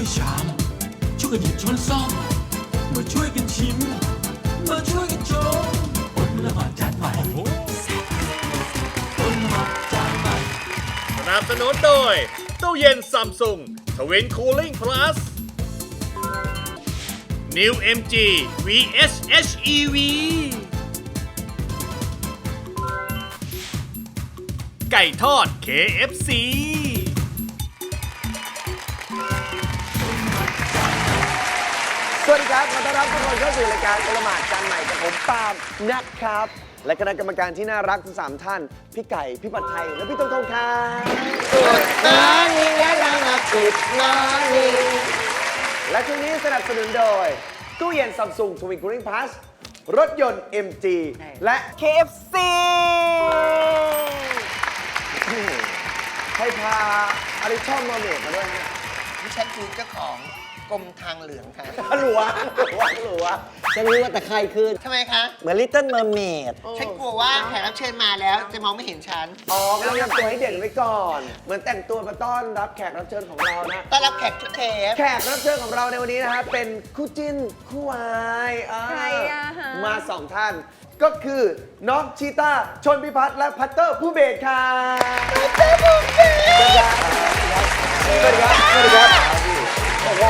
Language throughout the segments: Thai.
ชามช่วยกันหยิบช้อนซ่อมมาช่วยกันชิมมาช่วยกันชมอดละหมาดจานใหม่อดละหมาดจานใหม่สนับสนุนโดยตู้เย็นซัมซุงทวินคูลิ่งพลัส New MG VS HEV ไก่ทอด KFC สวัสดีครับขอต้อนรับทุกคนเข้าสู่รายการอลหมาดจานใหม่กับผมปาล์มนะครับและคณะกรรมการที่น่ารักทั้ง3ท่านพี่ไก่พี่ปัดไทยและพี่ต้นทงครับและช่วงนี้สนับสนุนโดยตู้เย็นซัมซุงทวินคูลิ่งพลัสรถยนต์ MG และ KFC ให้พาอาริชอมมาเมดมาด้วยฮะดิฉันคือเจ้าของกรมทางเหลืองค่ะหลัวฉันรู้ว่าแต่ใครคือทำไมคะเหมือน Little Mermaid ฉันกลัวว่าแขกรับเชิญมาแล้วจะมองไม่เห็นฉันอ๋อก็ต้องทำตัวให้เด่นไว้ก่อน เหมือนแต่งตัวมาต้อนรับแขกรับเชิญของเรานะต้อนรับแขกทุกเทปแขกรับเชิญของเราในวันนี้นะครับเป็นคู่จิ้นคู่วายใครอะฮะมา2ท่าน ก็คือน้องชีต้าชนพิพัฒน์และพัตเตอร์ผู้เบสค่ะสวัสดีครับสวัสดีครับโอ้โห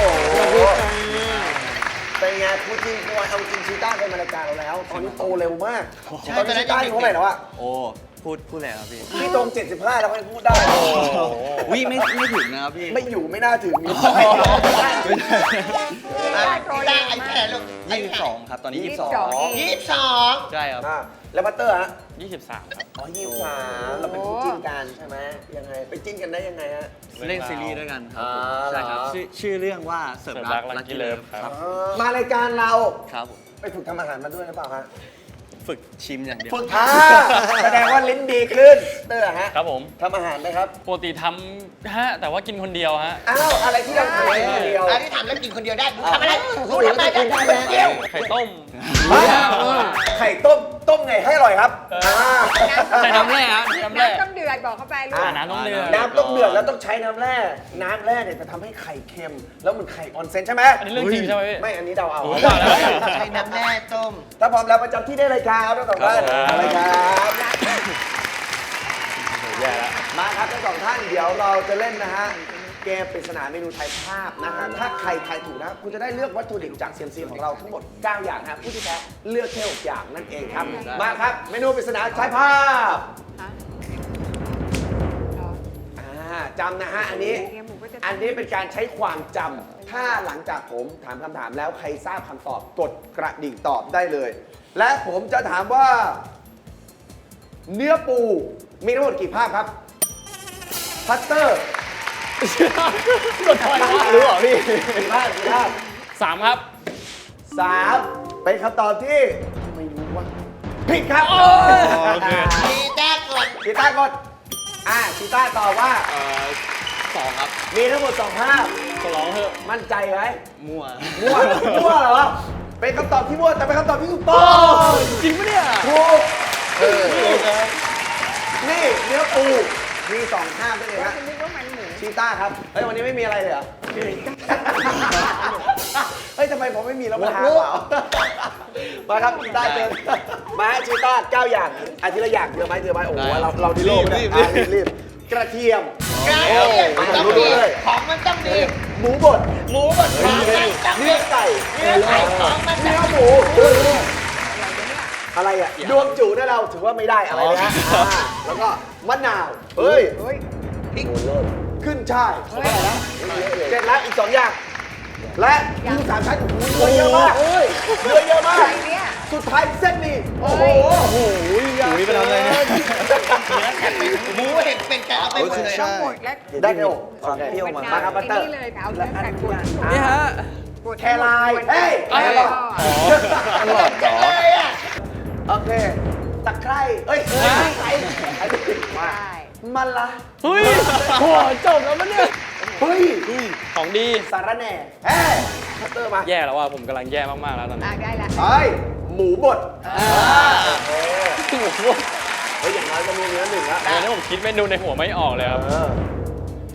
เป็นไงคู่จิ้นคู่วายเอาจริงชีต้าเคยมารายการเราแล้ว ตอนนี้โตเร็วมากตอนนี้ชีต้าอายุเท่าไหร่แล้วอะโอ้พูดแล้วครับพี่พี่ตรง 75 แล้วค่อยพูดได้วิไม่ถึงนะครับพี่ไม่อยู่ไม่น่าถึงได้อายุเท่าไหร่ลูก 22 ครับตอนนี้ 22 ใช่ครับแล้วพัตเตอร์ฮะ 23 ครับอ๋อ23เราเป็นคู่จิ้นกันใช่ไหมยังไงไปจิ้นกันได้ยังไงฮะเล่นซีรีส์ด้วยกันครับผมอ่าใช่ครับชื่อเรื่องว่าเสิร์ฟรักลักกี้เลิฟครับมารายการเราครับผมไปฝึกทำอาหารมาด้วยหรือเปล่าฮะฝึกชิมอย่างเดียวฝึกแสดงว่าลิ้นดีขึ้นเตอร์ฮะครับผมทำอาหารไหมครับปกติทำฮะแต่ว่ากินคนเดียวฮะอ้าวอะไรที่เราทำคนเดียวอันนี้ทำแล้วกินคนเดียวได้หนูทำอะไรหนูทำอะไรได้คนเดียวไข่ต้มไข่ต้มไงให้อร่อยครับใส่น้ำแร่ฮะน้ำแร่น้ำต้องเดือดบอกเข้าไปลูกน้ำต้องเดือดน้ำต้องเดือดแล้วต้องใช้น้ำแร่เนี่ยจะทำให้ไข่เค็ม แล้วเหมันไข่ออนเซ็นใช่ไหมอันนี้เรื่องจริงใช่ไหมพี่ไม่อันนี้เดาเอาโอ้ยว่าแล้วใช้น้ำแร่ต้มถ้าพร้อมแล้วประจำที่ได้เลยครับทั้งสองท่านครับเลยครับแย่แล้วมาครับทั้งสองท่านเดี๋ยวเราจะเล่นนะฮะเกมปริศนาเมนูไทยภาพนะฮะถ้าใครทายถูกนะคุณจะได้เลือกวัตถุดิบจากเซียมซีของเราทั้งหมด 9 อย่างครับผู้ที่แพ้เลือกแค่6อย่างนั่นเองครับมาครับเมนูปริศนาไทยภาพจำนะฮะอันนี้เป็นการใช้ความจำถ้าหลังจากผมถามคำถามแล้วใครทราบคำตอบกดกระดิ่งตอบได้เลย และผมจะถามว่า เนื้อปูมีทั้งหมดกี่ภาพครับพัตเตอร์กดถอยว่ารู้เหรอพี่กี่ภาพ 3 ครับ 3เป็นคำตอบที่ไม่รู้ว่าผิดครับโอเคมีแต้กดชีต้ากดชีต้าตอบว่า 2 ครับมีทั้งหมด2ภาพขอร้องเถอะมั่นใจไหมมั่วมั่วเหรอเป็นคำตอบที่มั่วแต่เป็นคำตอบที่ถูกต้องจริงปะเนี่ยถูกนี่เนื้อปูมี2ภาพด้วยเลยฮะฉันนึกว่ามันหมูชีต้าครับเฮ้ยวันนี้ไม่มีอะไรเลยเหรอเฮ้ยทำไมผมไม่มีแล้วมาหาเปล่ามาครับชีต้าเจอมาฮะชีต้า9อย่างอันทีละอย่างเจอไหมโอ้โหเราดิโลกรีบกระเทียมกระเทียมมันต้องดีของมันต้องดีหมูบดหมูบดของมันต้องเนื้ดีอไก่เนื้อไก่ของมันต้เนื้ออง หมูอะไรอ่ะดวงจูนะเราถือว่าไม่ได้อะไรนะแล้วก็มะนาวเฮ้ยพริกขึ้นช่ายเสร็จแล้วอีก2อย่างและกุ้ง3ชั้นโอ้โหเนื้อเยอะมากเนื้อเยอะมากอะไรเนี่ยสุดท้ายเส้นหมี่โอ้โหหนีไปทำอะไรเนี่ยหมูเห็ดเป็นแกเอาไปหมดเลยต้องหมดแล้วได้ไหมโอ้ความเปรี้ยวมามาครับบัตเตอร์นี่เลยค่ะเอาเนื้อสัตว์บดนี่ฮะบดแครายเฮ้ยแครอทอร่อยจังเลยอ่ะโอเคตะไคร้เอ้ยไคร้มาใช่มันละเฮ้ยโหจบแล้วปะเนี่ยเฮ้ยของดีสารแหน่เฮ้ยบัตเตอร์มาแย่แล้วว่ะผมกำลังแย่มากๆแล้วตอนนี้ได้ละเฮ้ยหมูบดโอ้โหเฮ้ยอย่างน้อยก็มีเนื้อหนึ่งละเดี๋ยวนี้ผมคิดเมนูในหัวไม่ออกเลยครับเออ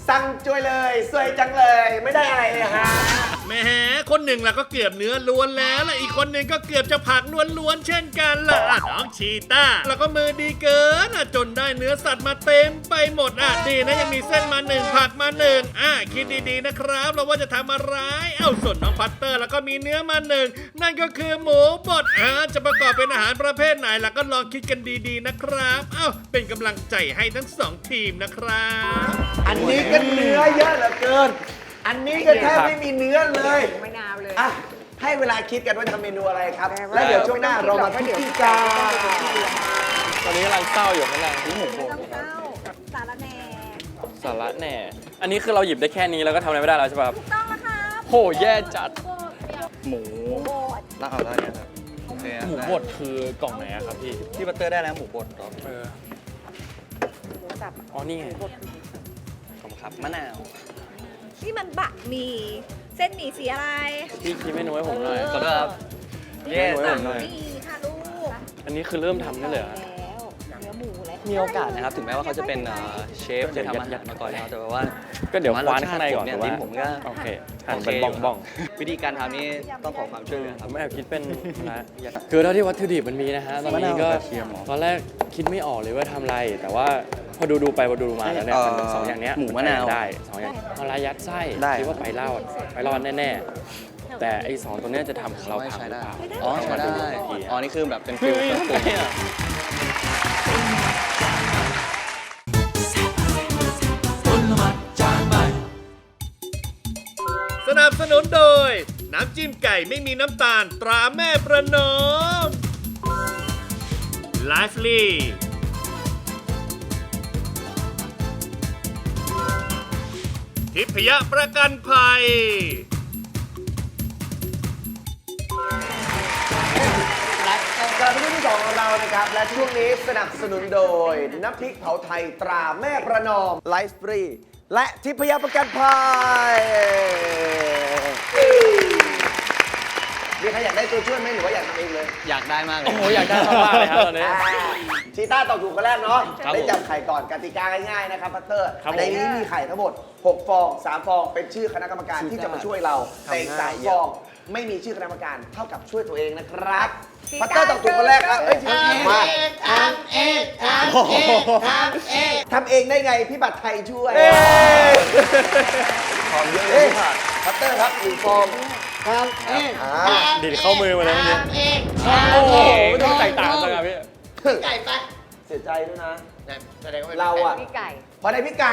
สั่งจุยเลยสวยจังเลยไม่ได้อะไรเลยฮะแหมคนหนึ่งล่ะก็เกือบเนื้อล้วนแล้วและอีกคนหนึ่งก็เกือบจะผักล้วนๆเช่นกันล่ะอ่ะน้องชีต้าแล้วก็มือดีเกินอ่ะจนได้เนื้อสัตว์มาเต็มไปหมดอ่ะดีนะยังมีเส้นมาหนึ่งผักมาหนึ่งคิดดีๆนะครับเราว่าจะทำอะไรส่วนน้องพัตเตอร์แล้วก็มีเนื้อมาหนึ่งนั่นก็คือหมูบดจะประกอบเป็นอาหารประเภทไหนล่ะก็ลองคิดกันดีๆนะครับเป็นกำลังใจให้ทั้งสองทีมนะครับอันนี้ก็เนื้อเยอะเหลือเกิน อันนี้ก็แทบไม่มีเนื้อเลยมะนาวเลยอ่ะให้เวลาคิดกันว่าทำเมนูอะไรครับ แล้วเดี๋ยวช่วงหน้าเรามาพิธีการตอนนี้กำลังเศร้าอยู่กำลังที่หมูโบต้องเข้าสารแหน่สาระแหน่ อันนี้คือเราหยิบได้แค่นี้แล้วก็ทำอะไรไม่ได้แล้วใช่ป่ะครับถูกต้องแล้วครับโหแย่จัด หมูโบดแล้วเอาแล้วเนี่ยครับโอเคหมูบดคือกล่องไหนอะครับพี่ที่บัตเตอร์ได้แล้วหมูบดครับเออหมูสับอ๋อนี่ไงขอบคุณครับมะนาวนี่มันบะหมี่เส้นหมี่สีอะไรพี่คิดเมนูให้ผมหน่อยขอโทษครับเย้สั่งหน่อยนี่ค่ะลูกอันนี้คือเริ่มทำได้เลยเหรอแล้วเนื้อหมูแล้วมีโอกาสนะครับ ถึงแม้ว่าเขาจะเป็นเชฟจะทำอาหารมาก่อนแล้วแต่ว่าก็เดี๋ยวคว้านข้างในก่อนเนี่ยแต่ว่าลิ้นผมก็โอเคหั่นเป็นโอเคอยู่บ้องวิธีการทำนี่ต้องขอความช่วยเหลือๆคผรับมแอบคิดเป็นนะคือเท่าที่วัตถุดิบมันมีนะฮะตอนนี้ก็มะนาวกับกระเทียมเหรอตอนแรกคิดไม่ออกเลยว่าทำอะไร แต่ว่าพอดูไปพอดูมาแล้วเนี่ยมันสองอย่างเนี้ยหมูมะนาวได้สองอย่างเอาละยัดไส้ได้คิดว่าไปรอดแน่ๆแต่ไอ้สองตัวเนี้ยจะทำของเราพังหรือเปล่าอ๋อใช้ได้อ๋อนี่คือแบบเป็นฟิลเครื่องปรุงคนละหมัดจานใหม่สนับสนุนโดย น้ำจิ้มไก่ไม่มีน้ำตาลตราแม่ประนอม Lively ทิพยประกันภัยกลับมาที่ที่สองของเรานะครับ และช่วงนี้สนับสนุนโดย น้ำพริกเผาไทยตราแม่ประนอมไลฟ์ฟรีและทิพยประกันภัยมีใครอยากได้ตัวช่วยไหมหรือว่าอยากทำเองเลยอยากได้มากเลยโอ้โหอยากได้มากๆเลยครับตอนนี้ชีต้าตอบถูกคนแรกเนาะครับได้จับไข่ก่อนกติกาง่ายๆนะครับพัตเตอร์ครับผมในนี้มีไข่ทั้งหมด 6 ฟอง 3 ฟอง เป็นชื่อคณะกรรมการที่จะมาช่วยเราแต่อีก3 ฟอง ไม่มีชื่อคณะกรรมการเท่ากับช่วยตัวเองนะครับพัตเตอร์ตอบถูกคนแรกครับมาทำเองได้ไงพี่บัตรไทยช่วยหอมเยอะเลยพัตเตอร์ครับ1 ฟองอ่าดีดเข้ามือมาเลยเมื่อกี้โอ้โหไม่ต้องแตกต่างกันครับพี่ไก่ปะเสียใจด้วยนะแสดงว่าเราอะพี่ไก่พอได้พี่ไก่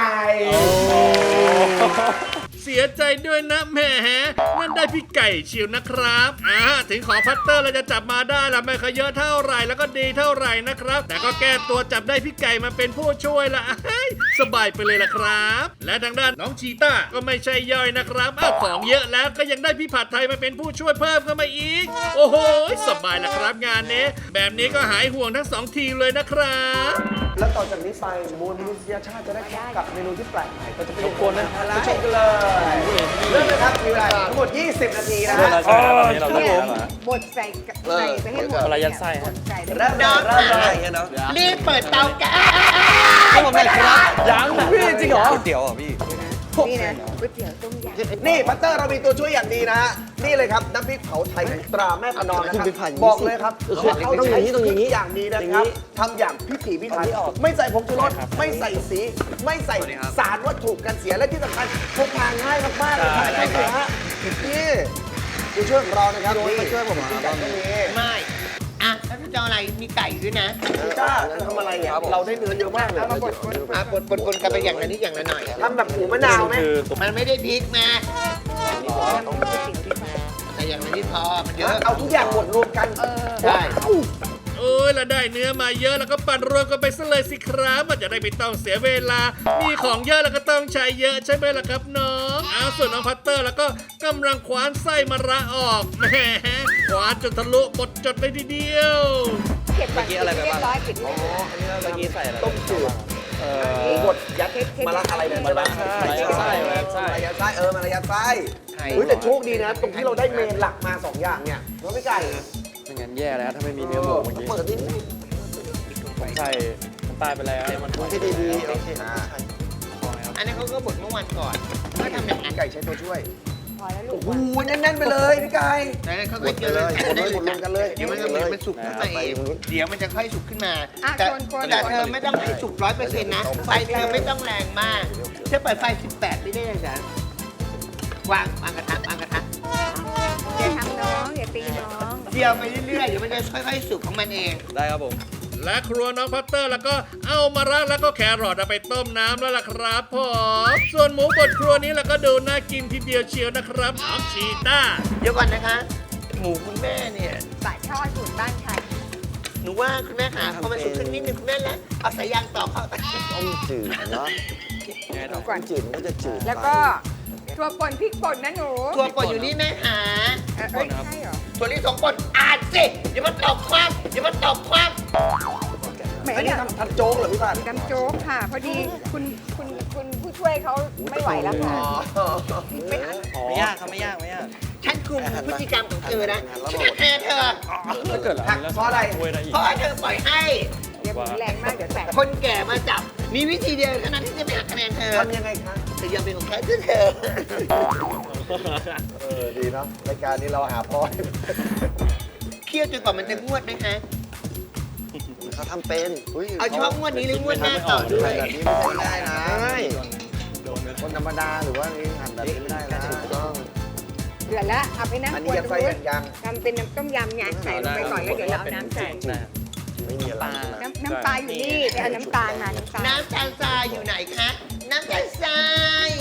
เสียใจด้วยนะแหมนั่นได้พี่ไก่เชียวนะครับถึงของพัตเตอร์เราจะจับมาได้ละไม่เคยเยอะเท่าไหร่แล้วก็ดีเท่าไหร่นะครับ แต่ก็แก้ตัวจับได้พี่ไก่มาเป็นผู้ช่วยละสบายไปเลยล่ะครับ และทางด้านน้องชีต้าก็ไม่ใช่ย่อยนะครับของเยอะแล้วก็ยังได้พี่ผัดไทยมาเป็นผู้ช่วยเพิ่มเข้ามาอีก โอ้โหสบายละครับงานนี้แบบนี้ก็หายห่วงทั้งสองทีมเลยนะครับแล้วต่อจากนี้ไปมวลมนุษยชาติจะได้พบกับเมนูที่แปลกใหม่ก็จะเป็นคนนะไปชมกันเลยเริ่มเลยครับมีเวลาทั้งหมด 20 นาทีนะเวฮะลาใช่ไหมตอนนี้เราต้องเนี่ยรู้แล้วเหรอบดใส่ไปให้หมดเวลายัดไส้ฮะใส่ไปเริ่มเลยเริ่มเลยรีบเปิดเตาแก๊สผมไม่ได้ครับยังพี่จริงเหรอก๋วยเตี๋ยวเหรอพี่นี่นะก๋วยเตี๋ยวต้มยำนี่พัตเตอร์เรามีตัวช่วยอย่างดีนะฮะนี่เลยครับน้ำพริกเผาไทยตราแม่ประนอมนะครับบอกเลยครับเขาต้องอย่างนี้อย่างดีนะครับทำอย่างพิถีพิถันไม่ใส่ผงชูรสไม่ใส่สี ไม่ใส่สารวัตถุกันเสียและที่สำคัญพกพาง่ายมากๆเลยครับไม่เสียฮะนี่ตัวช่วยของเรานะครับนี่มาช่วยผมกินไก่ก็มีไม่อ่ะแล้วจะเอาอะไรมีไก่ด้วยนะพี่ต้าทำอะไรอ่ะเราได้เนื้อเยอะมากเลยอ่ะบดกันไปอย่างละนิดอย่างละหน่อยทำแบบหมูมะนาวไหมคือมันไม่ได้พริกมาแต่อย่างละนิดพอมันเยอะเอาทุกอย่างหมดรวมกันใช่โอ้ยแล้วได้เนื้อมาเยอะแล้วก็ปั่นรวมกันไปซะเลยสิครับมันจะได้ไม่ต้องเสียเวลา มีของเยอะแล้วก็ต้องใช้เยอะใช่ไหมล่ะครับน้องส่วนน้องพัตเตอร์แล้วก็กำลังคว้านไส้มะระออกแหมคว้านจนทะลุหมดจดเลยทีเดียวเก็บก่อนเรียบร้อยปิดเลยเมื่อกี้ใส่อะไรต้มจืดหมูบดยัดมะระอะไรเนี่ยใช่ไหมมะระไส้มะระไส้มะระยัดไส้มะระยัดไส้เฮ้ยแต่โชคดีนะ ตรงที่เราได้เมนหลักมา 2 อย่างเนี่ยเราไม่ไก่ไม่งั้นแย่แล้วถ้าไม่มีเนื้อหมูเมื่อกี้เปิดที่นี่ผมใส่น้ำตาลไปแล้วมันที่ดีๆโอเคอันนั้นเขาก็บดเมื่อวันก่อนก็ทำอย่างนั้นไก่ใช้ตัวช่วยพอแล้วลูโอ้กโหแน่นๆไปเลยพี่ไก่แต่นั้นเขาหมก็ดเจเลอยหมดเลยหมดรวมกันเลยเดี๋ยวมันจะมันสุกขึ้นมาเองเดี๋ยวมันจะค่อยสุกขึ้นมาอ่ะแต่คนแต่เธอไม่ต้องให้สุก100%นะไฟเธอไม่ต้องแรงมากเธอเปิดไฟ18ไม่ได้เลยนะวางกระทะวางกระทะอย่าทำน้องอย่าตีน้องเดียวไปเรื่อยๆเดี๋ยวมันจะค่อยๆสุกของมันเองได้ครับผมและครัวน้องพัตเตอร์แล้วก็เอามะระแล้วก็แครอทเอาไปต้มน้ำแล้วล่ะครับผมส่วนหมูบดครัวนี้แล้วก็ดูน่ากินทีเดียวเชียวนะครับน้องชีต้าเดี๋ยวก่อนนะคะ หมูคุณแม่เนี่ยสายทอดสูตรบ้านใครหนูว่าคุณแม่ค่ะพอมันสุกขึ้นนิดนึงคุณแม่แล้วเอาสายยางต่อเข้าต้มจืดเนาะดูก่อนจืดมันก็จะจืดแล้วก็ถั่วป่นพริกป่นนะหนูตัวป่นอยู่นี่แม่หาเอ้ยใช่เหรอตัวนี้2ป่นอ่านสิอย่ามาตอบความอย่ามาตอบความแหมอันอนี้ยากทำโจ๊กเหรอพี่พันน้ำโจ๊กค่ะ พอดีคุณผู้ช่วยเขาไม่ไหวแล้วค่ะไม่ทันไม่ยากครับไม่ยากไม่ยากฉันคุมพฤติกรรมของเธอนะฉันจะแพ้เธอถ้าเกิดเราเพราะอะไรช่วยได้อีกเพราะเธอปล่อยให้อย่าหมุนแรงมากเดี๋ยวแตกคนแก่มาจับ มีวิธีเดียวเท่านั้นที่จะไปหักคะแนนเธอทำยังไงคะแต่ยังเป็นของแท้เธอดีเนาะรายการนี้เราหาพ่อเคี่ยวจนกว่ามันจะงวดนะคะเขาทำเป็นยเอาเฉพาะงวดนี้หรืองวดหน้าต่อด้วหั่นยแบบนี้ไม่ได้นะคนธรรมดาหรือว่านี่หั่นแบบนี้ไม่ได้นะถูกต้องเดือดแล้วเอาไปนั่งอันคนี้วรยัดตรงไส้นู้นยังทำเป็นน้ำต้มยำไงใส่ลงไปก่อนแล้วเดี๋ยวเราเอาน้ำใส่ได้ไม่มีอะไรนะน้ำปลาอยู่นี่ไปเอาน้ำตาลมาน้ำตาลน้ำตาลทรายอยู่ไหนคะ น้ำตาลทราย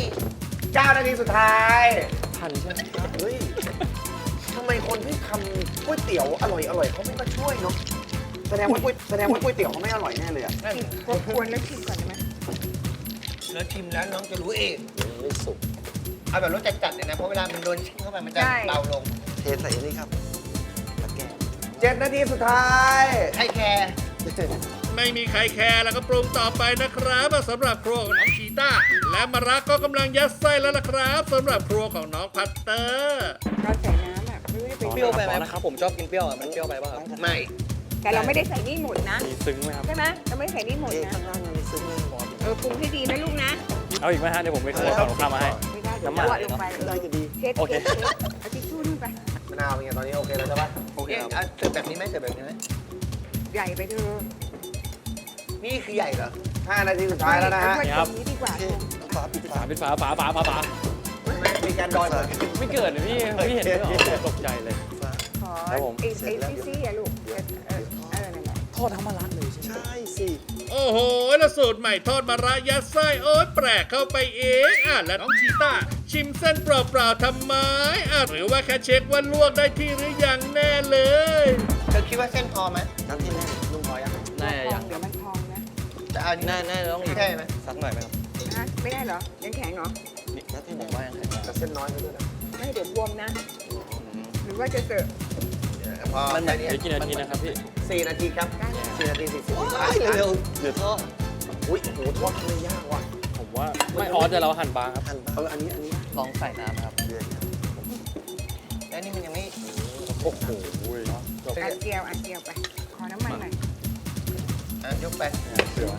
9 นาทีสุดท้ายทันใช่ไหมเฮ้ยทำไมคนที่ทำก๋วยเตี๋ยวอร่อยเขาไม่มาช่วยเนาะแสดงว่าก๋วยเตี๋ยวเขาไม่อร่อยแน่เลยอะควรแล้วชิมก่อนได้ไหมแล้วชิมแล้วน้องจะรู้เองไม่สุกเอาแบบรสจัดๆเลยนะ เพราะเวลามันโดนชิมเข้าไปมันจะเบาลงเทใส่นี่ครับตะแกรง7 นาทีสุดท้ายใครแคร์ไม่มีใครแคร์แล้วก็ปรุงต่อไปนะครับสำหรับครัวของน้องชีต้าและมะระก็กำลังยัดไส้แล้วล่ะครับสำหรับครัวของน้องพัตเตอร์เราใส่น้ำอ่ะไม่ได้ไปเปรี้ยวไปไหมนะครับผมชอบกินเปรี้ยวอ่ะมันเปรี้ยวไปป่ะครับไม่แต่เราไม่ได้ใส่นี่หมดนะมีซึ้งไหมครับใช่ไหมเราไม่ได้ใส่นี่หมดนะข้างล่างมันไม่ซึ้งเลยหมดปรุงให้ดีนะลูกนะเอาอีกไหมฮะเดี๋ยวผมไปขอฝั่งตรงข้ามมาให้ไม่ได้เดี๋ยวน้ำมันหวานลงไปได้ก็ดีเช็ดโอเคเช็ดเอาทิชชู่นู่นไปมะนาวเป็นไงตอนนี้โอเคแล้วใช่ปะโอเคเอาเสิร์ฟแบบนี้ไหมเสิร์ฟแบบนี้ไหมใหญ่ไปเถอะนี่คือใหญ่เหรอ 5 นาทีสุดท้ายแล้วนะฮะช่วยตรงนี้ดีกว่าฝาปิดฝาปิดฝาฝามีการดอยหมดไม่เกิดเลยพี่พี่เห็นด้วยเหรอตกใจเลยขอครับผมไอ้ซี่ๆอะลูกนั่นแหละทอดทั้งมะระเลยใช่ไหมใช่สิโอ้โหแล้วสูตรใหม่ทอดมะระยัดไส้โอ๊ยแปลกเข้าไปเองแล้วน้องชีต้าชิมเส้นเปล่าๆทำไมหรือว่าแค่เช็คว่าลวกได้ที่หรือยังแน่เลยเธอคิดว่าเส้นพอไหมน้ำที่แน่ลุงพอยังน่าพจะอยังเดี๋ยวมันพองนะแต่เอานี่น่าจะต้องอีกใช่ไหมสักหน่อยไหมครับฮะไม่ได้เหรอ ยังแข็งเหรอน้ำที่ผแน่มว่ายังแข็งแต่เส้นน้อยไปด้วยนะไม่เดี๋ยวบวมนะ หรือว่าจะเสิร์ฟพอมันเหมือนเดี๋ยวกี่นาทีนะครับพี่ 4 นาทีครับ 4 นาที 40วินาทีเร็วๆเดี๋ยวทอดอุ้ยโอ้โหทอดทำไมยากวะผมว่าไม่ออสแต่เราหั่นบางครับหั่นอันนี้ลองใส่น้ำครับเดือดแล้วนี่มันยังไม่โอ้โหจบอัดเจียวไป ขอน้ำมันหน่อยยกไปเสือ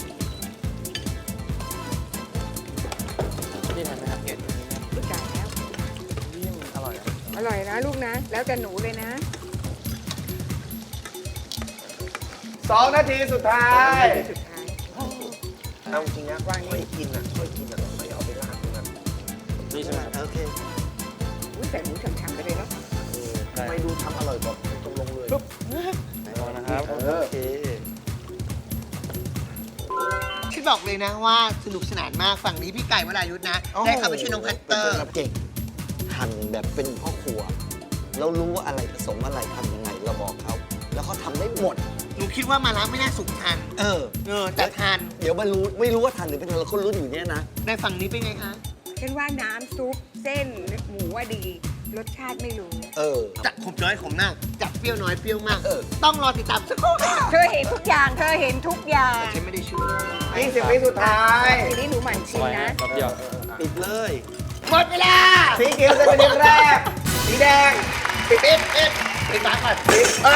นี่ทันไหมครับลูกจ่ายแล้วอร่อยอะอร่อยนะลูกนะ แล้วแต่หนูเลยนะ 2 นาทีสุดท้ายสุดท้ายเอาจริงนะช่วยกินอ่ะไม่เอาไปราดตรงนั้นนี่ใช่ไหมครับโอเคอุ้ยใส่หมูฉ่ำๆไปเลยเนาะทำไมดูทำอร่อยกว่าตรงลงเลยรอนะครับโอเคฉันบอกเลยนะว่าสนุกสนานมากฝั่งนี้พี่ไก่วรายุทธนะ ได้เข้าไปช่วยน้องพัตเตอร์เก่งหั่นแบบเป็นพ่อครัว เรารู้ว่าอะไรผสมอะไรทำยังไงเราบอกเขา แล้วเขาทำได้หมดหนูคิดว่ามาล้างไม่น่าสุกทัน แต่ทันเดี๋ยวมารู้ไม่รู้ว่าทันหรือไม่ทันเราก็รู้อยู่เนี่ยนะในฝั่งนี้เป็นไงคะฉันว่าน้ำซุปเส้นหมูว่าดี รสชาติไม่รู้จัดขมน้อยขมมากจัดเปรี้ยวน้อยเปรี้ยวมาก ต้องรอติดตามสักครู่ค่ะเธอเห็นทุกอย่าง เธอเห็นทุกอย่างฉันไม่ได้ช่วย 20 วิสุดท้ายทีนี้หนูหมั่นชิมไว้นะแป๊บเดียวปิดเลยหมดเวลาสีเขียวจะเป็นทีมแรก สีแดงปิดปิดฝาก่อน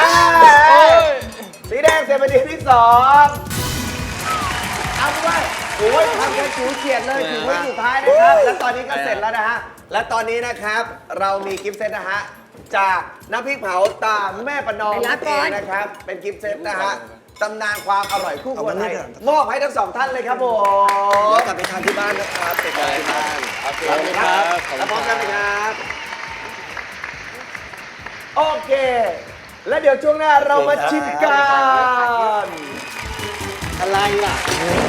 สีแดงเสร็จเป็นทีมที่ 2 เอาไปโอ้ยทำกันจิ๋วเฉียดเลยถึงวิสุดท้ายนะครับ และตอนนี้ก็เสร็จแล้วนะฮะ และตอนนี้นะครับเรามีกิฟต์เซตนะฮะ จากน้ำพริกเผาตาแม่ประนอมนั่นเองนะครับ เป็นกิฟต์เซตนะฮะตำนานความอร่อยคู่ครัวไทยมอบให้ทั้งสองท่านเลยครับผมแล้วกลับไปทานที่บ้านนะครับไปทานที่บ้านขอบคุณครับแล้วพร้อมกันไหมครับ โอเค แล้วเดี๋ยวช่วงหน้าเรามาชิมกันอะไรล่ะ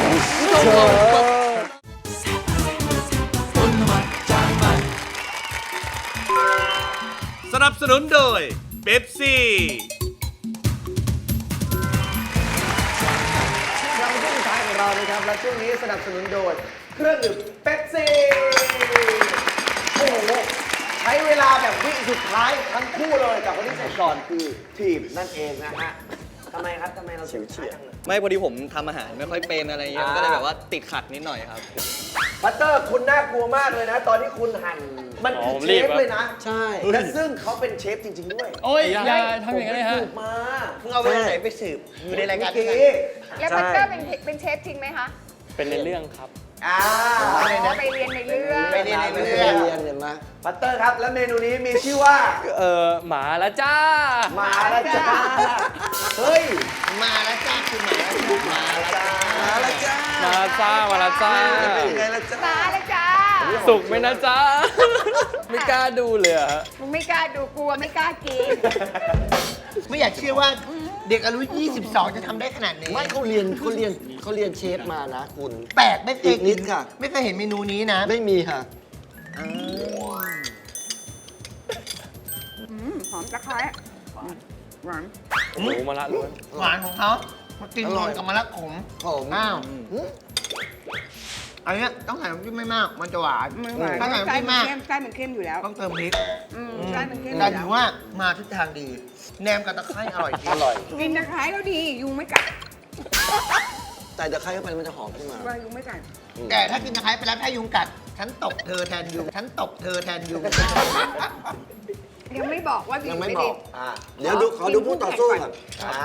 สนับสนุนโดยเป๊ปซี่เราช่วงสุดท้ายของเรานะครับ และช่วงนี้สนับสนุนโดยเครื่องดื่มเป๊ปซี่โอ้โหใช้เวลาแบบวิสุดท้ายทั้งคู่เลยกับคนที่เสร็จก่อนคือทีมนั่นเองนะฮะทำไมครับทำไมเราเฉียวเฉียดไม่พอดีผมทำอาหารไม่ค่อยเป็นอะไรเงี้ยมันก็เลยแบบว่าติดขัดนิดหน่อยครับบัตเตอร์คุณน่ากลัวมากเลยนะ ตอนที่คุณหั่นมันคือเชฟเลยนะใช่และซึ่งเขาเป็นเชฟจริง ๆ ด้วยโอ้ยอย่าทำอย่างนั้นเลยฮะสืบมามึงเอาเวลาไหนไปสืบอยู่ในรายการเมื่อด้วยกี้กันแล้วบัตเตอร์เป็นเชฟจริงไหมคะเป็นในเรื่องครับอ่าอ๋อไปเรียนในเรื่องไปเรียนในเรื่องเรียนเห็นไหมบัตเตอร์ครับ และเมนูนี้มีชื่อว่าหมาแล้วจ้าหมาละจ้าเฮ้ยมาแล้วจ้าคือมาแล้วจ้ามาละจ้ามาแล้วจ้ามาแล้วจ้า มาแล้วจ้าเป็นยังไงล่ะจ้ามาแล้วจ้าสุกไหมนะจ้า ไม่กล้าดูเลยอะฮะมึงไม่กล้าดูกลัวไม่กล้ากินไม่อยากเชื่อว่าเด็กอายุ 22 จะทำได้ขนาดนี้ไม่เขาเรียนเชฟมานะคุณแปลกไม่เคยอีกนิดค่ะไม่เคยเห็นเมนูนี้นะไม่มีค่ะหอมตะไคร้หวานหมูมะระล้วนหวานของเขามากินรวมกับมะระขมผมอ้าวอันเนี้ยต้องใส่น้ำจิ้มไม่มาก มันจะหวานมันหวานถ้าใส่น้ำจิ้มมากไส้มันเข้มอยู่แล้วต้องเติมพริกไส้มันเข้มอแต่ยู่ถืแล้อวว่ามาทิศทางดี แหนมกับตะไคร้อร่อยจริงอร่อยกินตะไคร้แล้วดียุงไม่กัดแต่ตะไคร้เข้าไปมันจะหอมขึ้นมาว่ายุงไม่กัดแต่ถ้ากินตะไคร้ไปแล้วถ้ายุงกัด ฉันตบเธอแทนยุง ฉันตบเธอแทนยุงยังไม่บอกว่าดียังไม่ไม่ดีบอกเดี๋ยวดูขอดูผู้ต่อสู้ก่อน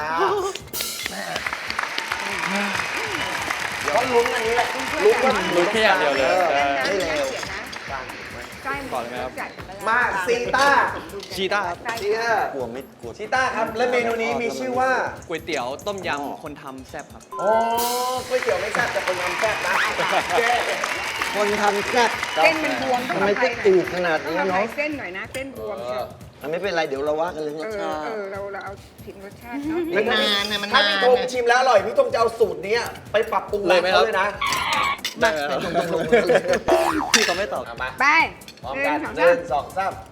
เดี๋ยวลุ้นอันนี้แหละลุ้นว่ารู้แค่อย่างเดียวเลยไม่เร็วไส้มันจัดมาซีต้าชีต้าครับซีต้ากลัวไม่กลัวซีต้าครับ และเมนูนี้มีชื่อว่าก๋วยเตี๋ยวต้มยำคนทำแซ่บครับโอ้ก๋วยเตี๋ยวไม่แซ่บแต่คนทำแซ่บนะเจ๊คนทำแซ่บเส้นมันบวมทำไมต้องอืดขนาดต้องนี้ทำเนาะเส้นหน่อยนะเส้นบวมเชียวไม่เป็นไรเดี๋ยวเราว่ากันเรื่องรสชาติเราเอาถึงรสชาติเนาะมันนานนะมันถ้านานพี่ธงนะชิมแล้วอร่อย พี่ธงจะเอาสูตรนี้ไปปรับปรุงร้านเขาเลยนะได้ครับพี่เขาไม่ตอบเอามาไปพร้อมกันหหนึ่นึ่งงสสออง งสาม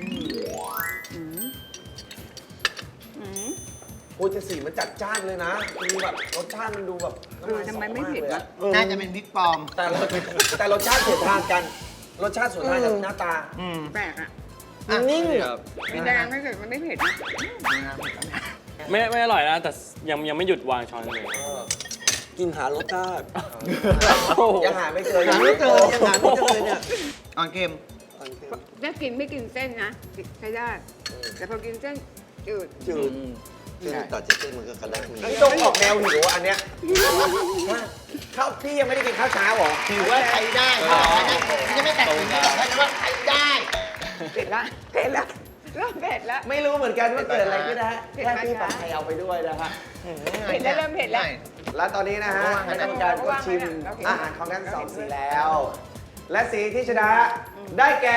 โอ้ยจะสีมันจัดจ้านเลยนะดูแบบรสชาติมันดูแบบน้ำลายทำไมไม่เผ็ดสอวะมากเลยอะน่าจะเป็นพริกปลอมแต่รสชาติสวนทางกัน รสชาติสวนทางกับหน้าตาแปลกอ่ะนิ่งครับกินแต่ยังไม่เผ็ดมันไม่เผ็ดนะไม่อร่อยนะ แต่ยังไม่หยุดวางช้อนเลยกินหารสชาติยังหาไม่เจอหาไม่เจอยังหาไม่เจอเนี่ยอ่อนเค็มถ้ากินไม่กินเส้นนะใช้ได้ แต่พอกินเส้นจืดจืดจืดตัดจากเส้นมันก็กระด้างพี่ต้องออกแนวหิวอันเนี้ยข้าวพี่ยังไม่ได้กินข้าวเช้าเหรอถือว่าใช้ได้จะไม่ตัดสินไม่บอกให้ว่าใช้ได้เผ็ดละเผ็ดละเริ่มเผ็ดละไม่รู้เหมือนกันว่าเกิดอะไรขึ้นนะฮะเผ็ดแค่ไหมพี่คะปักไทยเอาไปด้วยนะฮะเผ็ดแล้วเริ่มเผ็ดแล้วและตอนนี้นะฮะคณะกรรมการก็ชิมอาหารของทั้งสองสีแล้ว และสีที่ชนะได้แก่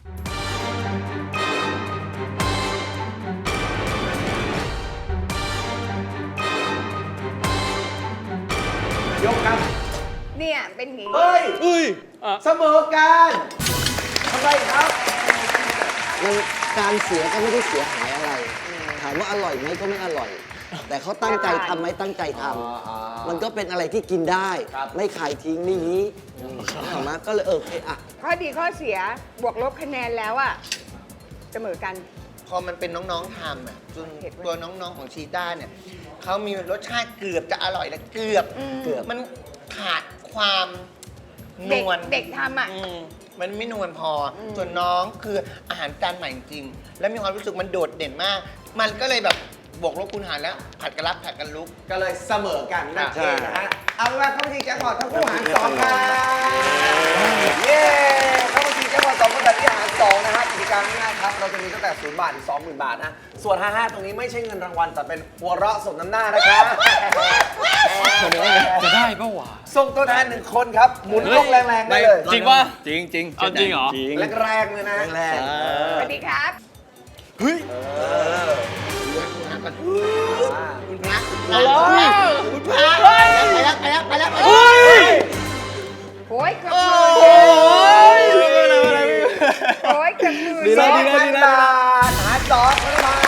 ยกครับเนี่ยเป็นอย่างนี้เฮ้ยอุ้ยเสมอกันทำไมครับมันการเสียก็ไม่ได้เสียหายอะไร ถามว่าอร่อยไหมก็ไม่อร่อย แต่เขาตั้งใจทำไหมตั้งใจทำมันก็เป็นอะไรที่กินได้ ไม่ขายทิ้งไม่ยี้ถามมาก็เลยโอเคอ่ะข้อดีข้อเสียบวกลบคะแนนแล้วอะเสมอกันพอมันเป็นน้องๆทำอ่ะจนตัวน้องๆของชีต้าเนี่ยเขามีรสชาติเกือบจะอร่อยแล้วเกือบเกือบมันขาดความนเด็กวลเด็กทำอะมันไม่นวลพออส่วนน้องคืออาหารจานใหม่จริงๆแล้วมีความรู้สึกมันโดดเด่นมาก มันก็เลยแบบบวกลบคูณหารแล้วผัดกันรับผัดกันลุกก็เลยเสมอกันนั่นเองนะฮะ เอาเป็นว่าเข้ามาชิงแจ็คพอตทั้งคู่หาร2ครับเย้เข้ามาชิงแจ็คพอต2คนแบบที่หาร2นะฮะกติกาง่ายๆครับเราจะมีตั้งแต่0 บาทถึง 20,000 บาทนะส่วน55ตรงนี้ไม่ใช่เงินรางวัลแต่เป็นหัวเราะสมน้ำหน้านะครับจะได้ปะวะส่งตัวแทน1คนครับหมุนต้องแรงๆได้เลยจริงป่ะจริงจริงเอาจริงเหรอจริงแรงๆเลยนะแรงสวัสดีครับคุณพระคุณพระไปแล้วไปแล้วไปแล้วไปแล้วโอ้ยเกือบหมื่นโอ้ยเกือบหมื่นดีแล้วบาทหาร2เข้ามา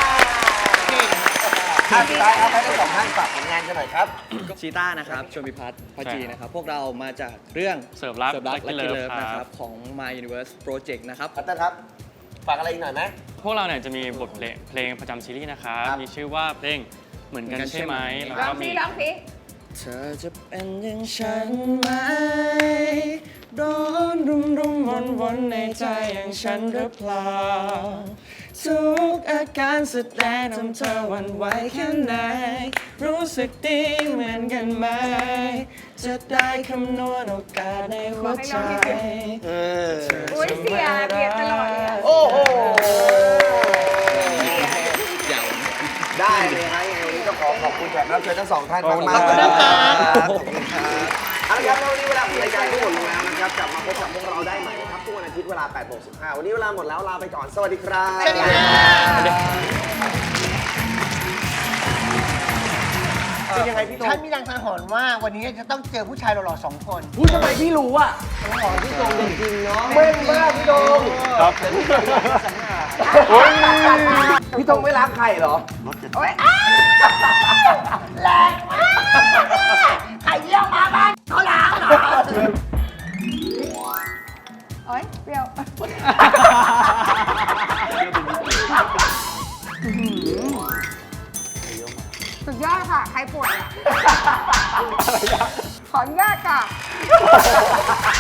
สุดท้ายเอาให้ทั้งสองท่านฝากผลงานกันหน่อยครับชีต้านะครับชวนพิพัฒน์พัจีนะครับ พวกเรามาจากเรื่องเสิร์ฟรักและ Lucky กิ Love เลิฟนะคครัรับ บ ของ My Universe Project นะครับพัตเตอร์ครับ ฝากอะไรอีกหน่อยไหมพวกเราเนี่ยจะมีบทเพลงประจำซีรีส์นะครับครับมีชื่อว่าเพลงเหมือนกันใช่ไหมแล้วร้อก็งมีสิร้องสิเธอจะเป็นอย่างฉันไหมร้อนวนในใจอย่างฉันหรือเปล่าทุกอาการแสดงทำเธอหวั่นไหวแค่ไหนรู้สึกดีเหมือนกันไหมจะได้คำนวณโอกาสในหัวใจอุ้ยเสียเบียดตลอดเลยอะโอ้โหเสียได้เลยฮะยังไงวันนี้ต้องขอบคุณแขกรับเชิญทั้งสองท่านมากๆขอบคุณครับขอบคุณครับเอาละครับแล้ววันนี้เวลาของรายการก็หมดลงแล้วนะครับกลับมาพบกับพวกเราได้ใหม่นะครับทุกวันอาทิตย์เวลา 8:15 วันนี้เวลาหมดแล้วลาไปก่อน สวัสดีครับสวัสดีครับเป็นยังไงพี่โตฉันมีรางสังหรณ์ว่าวันนี้จะต้องเจอผู้ชายหล่อๆ2 คนพูดทำไมพี่รู้อ่ะพี่โจงจริงๆเนาะเม่นมากพี่โตงครับพี่โตงไม่รักใครเหรอโอ้ยแรงมากใครเยี่ยมมาบ้านเขาล้างเหรอโอ้ยเปรี้ยวสุดยอดค่ะ ใครป่วยอ่ะขออนุญาตค่ะ